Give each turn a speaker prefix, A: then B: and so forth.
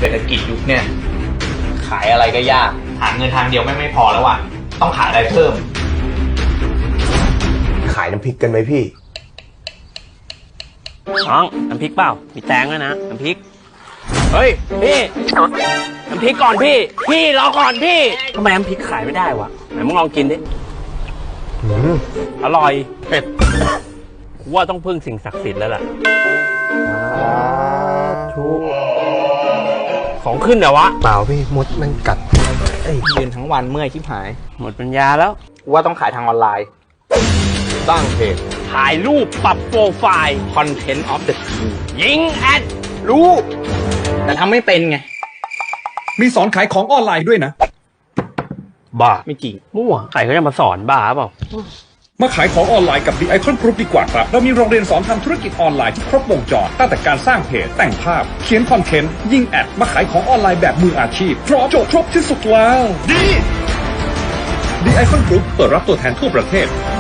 A: ศรษฐกิจยุคเนี่ยขายอะไรก็ยากหาเงินทางเดียวไม่พอแล้วว่ะต้องขายอะไรเพิ่ม
B: ขายน้ำพริกกันไหมพี่
C: น้องน้ำพริกเปล่ามีแตงด้วยนะน้ำพริกเฮ้ยพี่น้ำพริกก่อนพี่รอก่อนพี่ทำไมน้ำพริกขายไม่ได้วะไหนมึงลองกินดิอร่อยเผ็ดกูว่าต้องพึ่งสิ่งศักดิ์สิทธิ์แล้วล่ะของขึ้นเหรอวะ
B: เปล่าพี่มดมันกัด
A: ยืนทั้งวันเมื่อยชิบหาย
C: หมดปัญญาแล้ว
A: กูว่าต้องขายทางออนไลน์สร้างเพจ
C: ถ่ายรูปปรับโปรไฟล์
A: Content of the Day
C: ยิงแอด
A: รู้แต่ทำไม่เป็นไง
D: มีสอนขายของออนไลน์ด้วยนะ
C: บ้า
A: ไม่จริง
C: มั่วใครเขาจะมาสอนบ้าเปล่า
D: มาขายของออนไลน์กับ The Icon Group ดีกว่าครับเรามีโรงเรียนสอนทำธุรกิจออนไลน์ที่ครบวงจรตั้งแต่การสร้างเพจแต่งภาพเขียนคอนเทนต์ยิงแอดมาขายของออนไลน์แบบมืออาชีพพร้อมจบครบที่สุดแล้วดี The Icon Group เปิดรับตัวแทนทั่วประเทศ